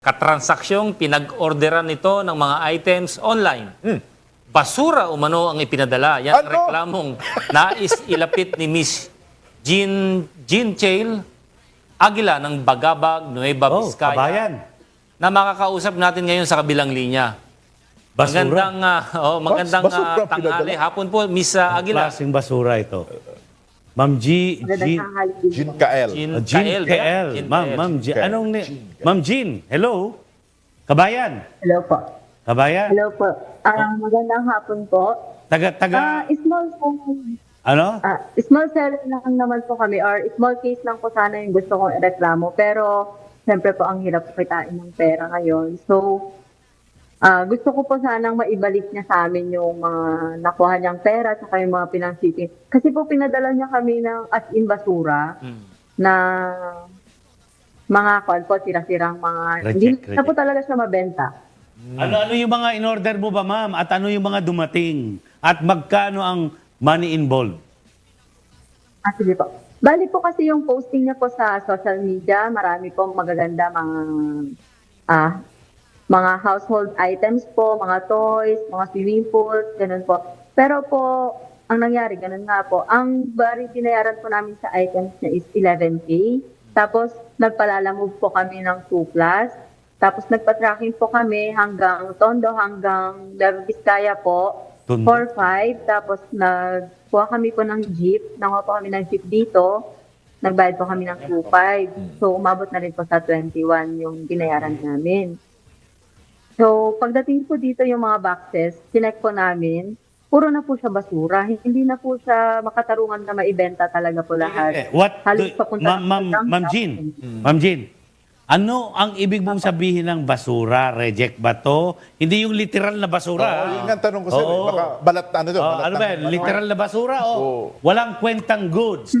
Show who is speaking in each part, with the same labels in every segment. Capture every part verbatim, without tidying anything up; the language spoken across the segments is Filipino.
Speaker 1: Katransaksyon, pinag-orderan nito ng mga items online.
Speaker 2: Hmm.
Speaker 1: Basura umano ang ipinadala. Yan ang
Speaker 2: Ano?
Speaker 1: reklamong nais ilapit ni Miss Jean, Jean Chail Aguila ng Bagabag, Nueva
Speaker 3: Oh,
Speaker 1: Vizcaya.
Speaker 3: kabayan.
Speaker 1: Na makakausap natin ngayon sa kabilang linya.
Speaker 3: Basura.
Speaker 1: Magandang, ah, oh, magandang
Speaker 2: Basura
Speaker 1: ah,
Speaker 2: ang
Speaker 1: tanghali.
Speaker 2: pinadala.
Speaker 1: Hapon po, Miss ah, Aguila.
Speaker 3: Klaseng basura ito. Ma'am G, G,
Speaker 2: Jean Kael.
Speaker 1: Jean
Speaker 3: uh, Jean
Speaker 1: Kael,
Speaker 3: K
Speaker 1: ba?
Speaker 3: L.
Speaker 1: Jean
Speaker 3: Ma'am,
Speaker 1: Kael.
Speaker 3: Ma'am G,
Speaker 2: Kael.
Speaker 3: anong ni... Ma'am Jean, hello? Kabayan.
Speaker 4: Hello po.
Speaker 3: Kabayan.
Speaker 4: Hello po. Ah, magandang hapon po.
Speaker 3: Taga,
Speaker 4: Ah,
Speaker 3: taga,
Speaker 4: small po,
Speaker 3: ano?
Speaker 4: ah, small seller lang naman po kami or small case lang po sana yung gusto kong ireklamo. Pero siyempre po ang hirap kitain ng pera ngayon. So, ah, gusto ko po sanang maibalik niya sa amin yung mga nakuha niyang pera at yung mga pinang-shipping. Kasi po pinadala niya kami ng as in basura
Speaker 1: Hmm.
Speaker 4: na mga kwan po, sira-sirang mga...
Speaker 3: Reject,
Speaker 4: Hindi na
Speaker 3: reject.
Speaker 4: po talaga siya mabenta.
Speaker 3: Ano-ano yung mga in-order mo ba, ma'am? At ano yung mga dumating? At magkano ang money involved?
Speaker 4: Ah, sige po. Bali po kasi yung posting niya po sa social media, marami po magaganda mga ah mga household items po, mga toys, mga swimming pools, ganun po. Pero po, ang nangyari, ganun nga po, ang bari binayaran po namin sa items niya is eleven K. Tapos, nagpalalamove po kami ng two plus. Tapos, nagpa-tracking po kami hanggang Tondo, hanggang Nueva Vizcaya po.
Speaker 3: Tondo?
Speaker 4: four five. Tapos, nagkuha kami po ng jeep. Nanguha po kami ng jeep dito. Nagbayad po kami ng two five. So, umabot na rin po sa twenty-one yung binayaran namin. So, pagdating po dito yung mga boxes, sinek po namin, puro na po siya basura. Hindi na po siya makatarungan na maibenta talaga po
Speaker 3: Eh,
Speaker 4: lahat.
Speaker 3: what
Speaker 4: Halos
Speaker 3: do,
Speaker 4: papunta
Speaker 3: ma'am,
Speaker 4: na
Speaker 3: ma'am,
Speaker 4: po ng
Speaker 3: ma'am Jean, ma'am Jean, ano ang ibig mong sabihin ng basura? Reject ba to? Hindi yung literal na basura.
Speaker 2: Oo,
Speaker 3: ah.
Speaker 2: yun nga ang tanong ko sir. eh.
Speaker 3: Oo.
Speaker 2: Baka balat ano to?
Speaker 3: Oh,
Speaker 2: balat
Speaker 3: ano
Speaker 2: ng-
Speaker 3: ba yan? Literal na basura o
Speaker 2: Oo.
Speaker 3: walang kwentang goods?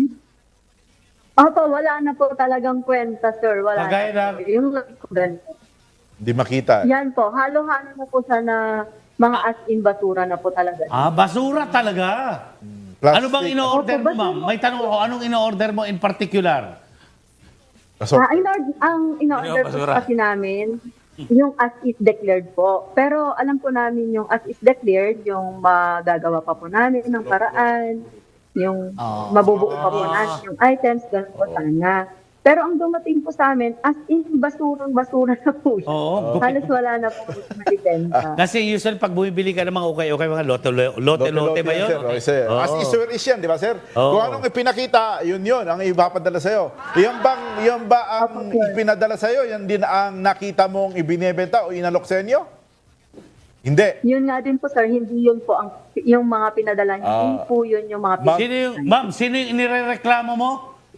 Speaker 4: Opo, wala na po talagang kwenta, sir. Wala
Speaker 3: Kagaya
Speaker 4: na.
Speaker 3: ng-
Speaker 4: po. Yung ganito.
Speaker 2: Hindi makita.
Speaker 4: Yan po, halo-halo na po siya na mga as-in basura na po talaga.
Speaker 3: Ah, basura talaga.
Speaker 2: Plastic.
Speaker 3: Ano bang in-order
Speaker 4: Opo,
Speaker 3: mo,
Speaker 4: basura.
Speaker 3: ma'am? May tanong ako, anong in-order mo in particular?
Speaker 2: Assorted.
Speaker 4: Ah, in-order, ang in-order
Speaker 1: Ano,
Speaker 4: po
Speaker 1: basura?
Speaker 4: kasi namin, yung as is declared po. Pero alam po namin yung as is declared, yung magagawa pa po namin ng paraan, yung
Speaker 1: Ah.
Speaker 4: mabubuo pa po namin yung items, ganun po sana. Pero ang dumating po sa amin, as in basurang basura na po siya.
Speaker 3: Oo.
Speaker 4: Halos wala na po siya maibenta.
Speaker 3: Kasi usually pag bumibili ka ng mga okay-okay, mga lote-lote lote ba yun?
Speaker 2: Sir. Okay, sir.
Speaker 3: Oo.
Speaker 2: As is sir is yan, di ba sir?
Speaker 3: Oo.
Speaker 2: Kung anong ipinakita, yun yun, ang ipapadala sa'yo. Yan bang, yan ba ang
Speaker 4: Opo, sir.
Speaker 2: ipinadala sa'yo? Yan din ang nakita mong ibinebenta o inalok sa inyo? Hindi.
Speaker 4: Yun nga din po sir, hindi yun po ang yung mga pinadala niya.
Speaker 2: Ah.
Speaker 4: Hindi po yun yung mga
Speaker 2: Ma'am-
Speaker 3: Sino yung, ma'am, sino yung inireklamo mo?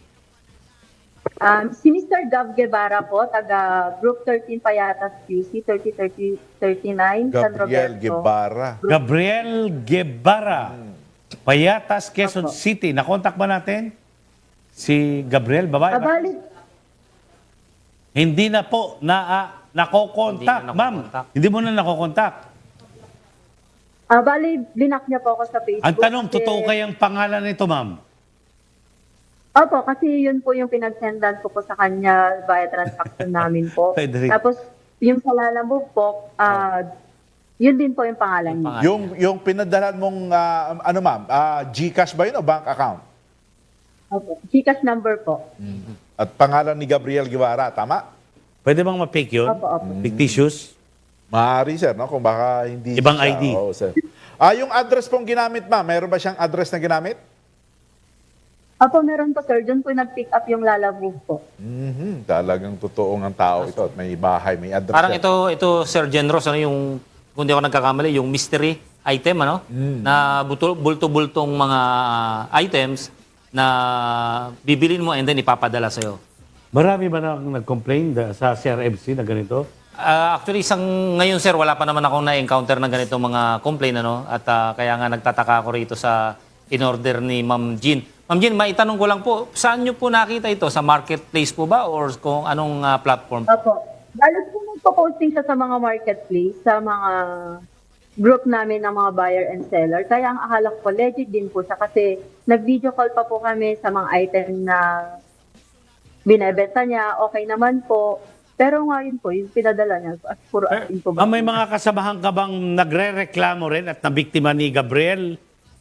Speaker 4: Um, si Mister Gav Guevara po, taga Group thirteen Payatas Q C, thirty thirty thirty-nine, San
Speaker 2: Gabriel
Speaker 4: Roberto.
Speaker 2: Guevara.
Speaker 3: Gabriel Guevara. Payatas, Quezon
Speaker 4: Opo.
Speaker 3: City. Nakontak ba natin? Si Gabriel, babae? ba?
Speaker 4: Abali,
Speaker 3: Hindi na po na ah, nakokontak,
Speaker 1: Hindi na
Speaker 3: ma'am.
Speaker 1: nakokontak.
Speaker 3: Hindi mo na nakokontak.
Speaker 4: abali, blinak niya po ako sa Facebook.
Speaker 3: Ang tanong,
Speaker 4: kasi-
Speaker 3: totoo kayang pangalan nito, ma'am?
Speaker 4: Opo, kasi yun po yung pinagsendan ko po sa kanya via transaction namin po.
Speaker 3: Frederick.
Speaker 4: Tapos, yung sa Lalamove po, ah, yun din po yung pangalan niya.
Speaker 1: pangalan.
Speaker 2: Yung, yung pinadalan mong, ah, ano ma'am, ah, GCash ba yun o bank account?
Speaker 4: Opo, Gcash number po.
Speaker 2: At pangalan ni Gabriel Guevara, tama?
Speaker 3: Pwede bang ma-fake yun?
Speaker 4: Opo, opo.
Speaker 3: Fictitious?
Speaker 2: Maaari, sir, no? Kung baka hindi
Speaker 3: Ibang
Speaker 2: siya.
Speaker 3: I D.
Speaker 2: Oo, sir. Ah, yung address pong ginamit, ma'am, meron ba siyang address na ginamit?
Speaker 4: Opo, meron po sir. Doon po nag-pick up yung Lalamove po.
Speaker 2: Mhm. Talagang totoong ang tao ito at may bahay, may address.
Speaker 1: Parang
Speaker 2: yan.
Speaker 1: ito, ito Sir Genros, ano yung, kung di ako nagkakamali, yung mystery item, ano? Na buto- bulto-bultong mga items na bibilin mo and then ipapadala sa'yo.
Speaker 3: Marami ba na nag-complain da- sa C R M C na ganito?
Speaker 1: Ah, actually, isang ngayon, sir, wala pa naman akong na-encounter na ganito mga complaint, ano? At ah, kaya nga nagtataka ako rito sa in-order ni Ma'am Jean. Ma'am Jean, maitanong ko lang po, saan nyo po nakita ito? Sa marketplace po ba or kung anong ah, platform?
Speaker 4: Opo. Lalo po nagpo-posting siya sa mga marketplace, sa mga group namin ng mga buyer and seller. Kaya ang akala ko legit din po siya kasi nag-video call pa po kami sa mga item na binebenta niya. Okay naman po. Pero ngayon po, yung pinadala niya, as puro as info
Speaker 3: Ah, may mga kasamahan ka bang nagre-reklamo rin at nabiktima ni Gabriel?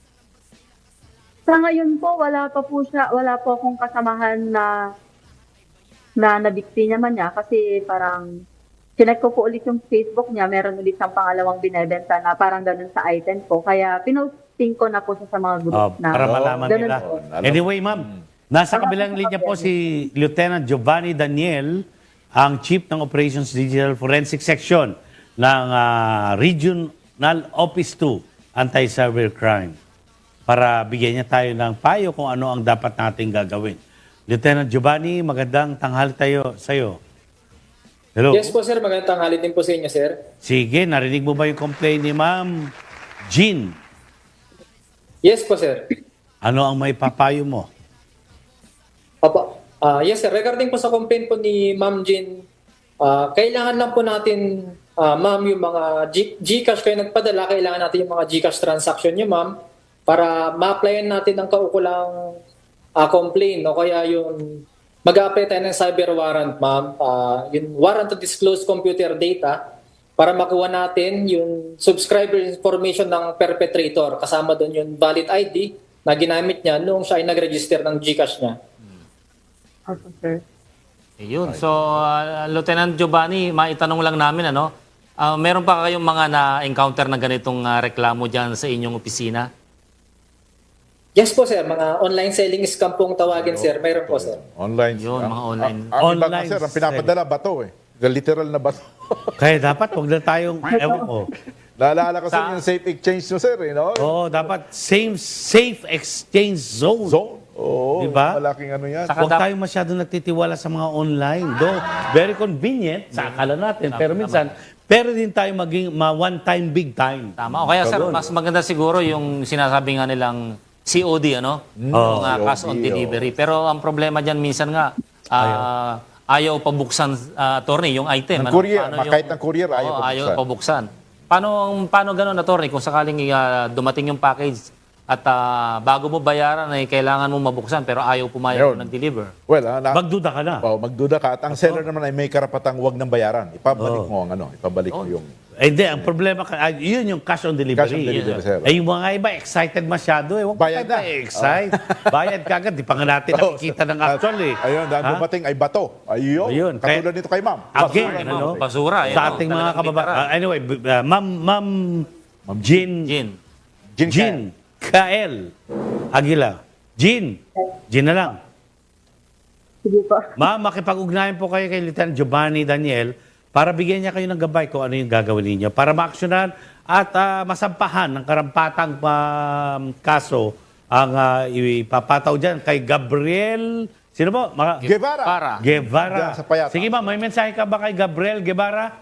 Speaker 4: Sa ngayon po, wala pa po siya, wala po akong kasamahan na na nabikti naman niya kasi parang chinek ko po ulit yung Facebook niya, meron ulit siyang pangalawang binebenta na parang ganun sa item ko. Kaya pinosting ko na po siya sa mga group
Speaker 3: Oh,
Speaker 4: na.
Speaker 3: para malaman
Speaker 4: Ganun
Speaker 3: nila.
Speaker 4: po.
Speaker 3: Anyway, ma'am, nasa kabilang linya po si Lieutenant Giovanni Daniel, ang Chief ng Operations Digital Forensic Section ng ah, Regional Office two Anti-Cyber Crime, para bigyan niya tayo ng payo kung ano ang dapat nating gagawin. Lieutenant Giovanni, magandang tanghali tayo sa'yo. Hello.
Speaker 5: Yes po sir, magandang tanghali din po sa inyo sir.
Speaker 3: Sige, narinig mo ba yung complaint ni Ma'am Jean?
Speaker 5: Yes po sir.
Speaker 3: Ano ang may papayo mo?
Speaker 5: Opo. Ah, yes sir, regarding po sa complaint po ni Ma'am Jean, ah, kailangan lang po natin, ah, ma'am, yung mga G- Gcash kayo nagpadala, kailangan natin yung mga Gcash transaction niyo ma'am para ma-applyan natin ang kaukulang ah, complaint o kaya yung mag-a-apply tayo ng cyber warrant ma'am, ah, yung warrant to disclose computer data para makuha natin yung subscriber information ng perpetrator, kasama doon yung valid I D na ginamit niya noong siya ay nag-register ng Gcash niya.
Speaker 4: Opo, sir.
Speaker 1: Ayun. So, uh, Lieutenant Giovanni, maitanong lang namin, ano, ah, meron pa kayong mga na-encounter na ganitong ah, reklamo dyan sa inyong opisina?
Speaker 5: Yes po sir, mga online selling scam pong tawagin sir, mayroon po sir.
Speaker 2: Online.
Speaker 1: Yun,
Speaker 2: Ang-
Speaker 1: mga online.
Speaker 2: Ang, ang iba
Speaker 3: Online
Speaker 2: nga, sir, ang pinapadala, bato eh. The literal na bato.
Speaker 3: Kaya dapat huwag na tayong, ewan ko.
Speaker 2: Naalala ko
Speaker 1: Sa-
Speaker 2: sa yung safe exchange nyo, sir, eh, no?
Speaker 3: Oo, dapat same safe exchange zone.
Speaker 2: Zone. Oo,
Speaker 3: Diba?
Speaker 2: malaking ano yan.
Speaker 1: Saka
Speaker 3: Huwag
Speaker 1: dap-
Speaker 3: tayong masyado nagtitiwala sa mga online. Do, very convenient sa akala natin. Pero minsan, pero din tayo maging ma one time, big time.
Speaker 1: Tama. O kaya, sir, mas maganda siguro yung sinasabi nga nilang C O D, ano? Yung ah, cash on
Speaker 2: C O D,
Speaker 1: delivery. Pero ang problema dyan, minsan nga, ah, ayaw pabuksan, ah, attorney, yung item.
Speaker 2: Ng courier.
Speaker 1: Paano
Speaker 2: Ma- kahit ng courier, ayaw
Speaker 1: Oo,
Speaker 2: pabuksan.
Speaker 1: ayaw pabuksan. Paano, paano ganun, attorney, kung sakaling ah, dumating yung package at ah, bago mo bayaran ay kailangan mo mabuksan pero ayaw pumayag
Speaker 2: Ayun.
Speaker 1: ng deliver.
Speaker 2: Well, ah, na,
Speaker 3: Magduda ka na.
Speaker 2: oh, magduda ka. At ang seller naman ay may karapatang wag ng bayaran. Ipabalik mo ang ano, ipabalik mo yung...
Speaker 3: Eh, Hindi, ang problema, ka- ah, yun yung cash on delivery.
Speaker 2: Cash on delivery, sir.
Speaker 3: Eh, yung mga iba, excited masyado eh. Huwag
Speaker 2: Bayad
Speaker 3: tayo
Speaker 2: na.
Speaker 3: ma-excite. Bayad ka agad. Di pa nga natin
Speaker 2: Oh,
Speaker 3: nakikita ng actual eh.
Speaker 2: Ayun, dahil
Speaker 3: Ha?
Speaker 2: dumating ay bato. Ayun.
Speaker 3: Ayun,
Speaker 2: Katulad
Speaker 3: kaya-
Speaker 2: nito kay ma'am.
Speaker 3: Again,
Speaker 1: Basura,
Speaker 3: ano?
Speaker 1: no? Basura, eh,
Speaker 3: Sa
Speaker 1: no?
Speaker 3: ating mga
Speaker 1: Talagang
Speaker 3: kababayan.
Speaker 1: literal.
Speaker 3: anyway, b- uh, Ma'am, Ma'am Jean,
Speaker 1: Jin.
Speaker 2: Gin
Speaker 3: Jean Kael Aguila. Jean, Jean na lang.
Speaker 4: Sige po.
Speaker 3: Ma'am, makipag-ugnayan po kayo kay Lieutenant Giovanni Daniel para bigyan niya kayo ng gabay kung ano yung gagawin ninyo para maaksyonan at ah, masampahan ng karampatang um, kaso ang ah, ipapataw dyan kay Gabriel. Sino po? Mga,
Speaker 2: Guevara.
Speaker 1: Para.
Speaker 3: Guevara.
Speaker 2: Diyan sa Payata.
Speaker 3: Sige ma'am, may mensahe ka ba kay Gabriel Guevara?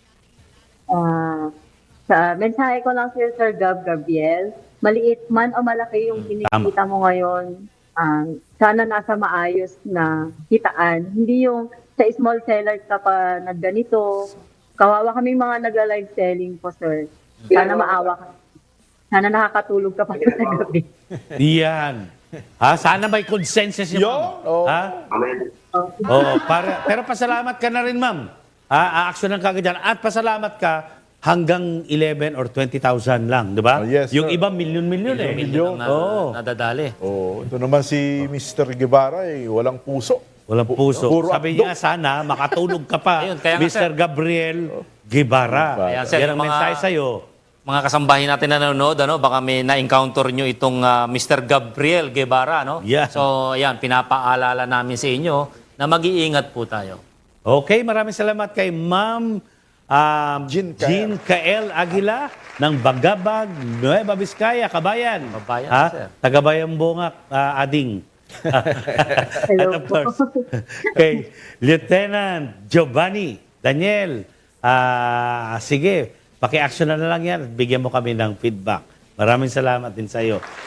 Speaker 4: Ah, sa mensahe ko lang sir, Sir Gab Gabriel, maliit man o malaki yung kinikita mo ngayon, ah, sana nasa maayos na kitaan. Hindi yung sa small seller ka pa nagganito. Kawawa kami mga nag-live selling po, sir. Sana maawa ka. Sana nakakatulog ka pa sa gabi.
Speaker 3: Iyan. Ha, sana may consensus yung
Speaker 2: Yun,
Speaker 3: ma'am.
Speaker 2: oo.
Speaker 3: Ha? Oo, para, pero pasalamat ka na rin, ma'am. Ha, aaksyonan ka agad dyan. At pasalamat ka hanggang eleven or twenty thousand lang, di ba?
Speaker 2: Oh, yes,
Speaker 3: Yung
Speaker 2: sir.
Speaker 3: iba, milyon-milyon eh.
Speaker 1: Milyon ang na,
Speaker 3: Oo.
Speaker 1: nadadali.
Speaker 2: Oh, ito naman si Mister Guevara ay walang puso.
Speaker 3: Walang puso.
Speaker 2: Puro
Speaker 3: Sabi
Speaker 2: abdo.
Speaker 3: niya, sana makatulog ka pa,
Speaker 1: Ayun, kaya nga,
Speaker 3: Mister
Speaker 1: sir.
Speaker 3: Gabriel Guevara.
Speaker 1: Kaya, sir,
Speaker 3: Yan ang
Speaker 1: yung mga-
Speaker 3: mensahe sa'yo.
Speaker 1: Mga kasambahin natin na nanonood, ano, baka may na-encounter nyo itong ah, Mister Gabriel Guevara, no?
Speaker 3: Yeah.
Speaker 1: So, ayan, pinapaalala namin sa inyo na mag-iingat po tayo.
Speaker 3: Okay, maraming salamat kay Ma'am um,
Speaker 2: Jean Kael.
Speaker 3: Jean Kael Aguila ng Bagabag, Nueva Vizcaya, Kabayan.
Speaker 1: Kabayan,
Speaker 3: ha?
Speaker 1: sir.
Speaker 3: Tagabayan Bungak, ah, Ading.
Speaker 4: Hello
Speaker 3: And of
Speaker 4: po.
Speaker 3: course, kay Lieutenant Giovanni Daniel. Ah, sige, paki-action na lang yan at bigyan mo kami ng feedback. Maraming salamat din sa iyo.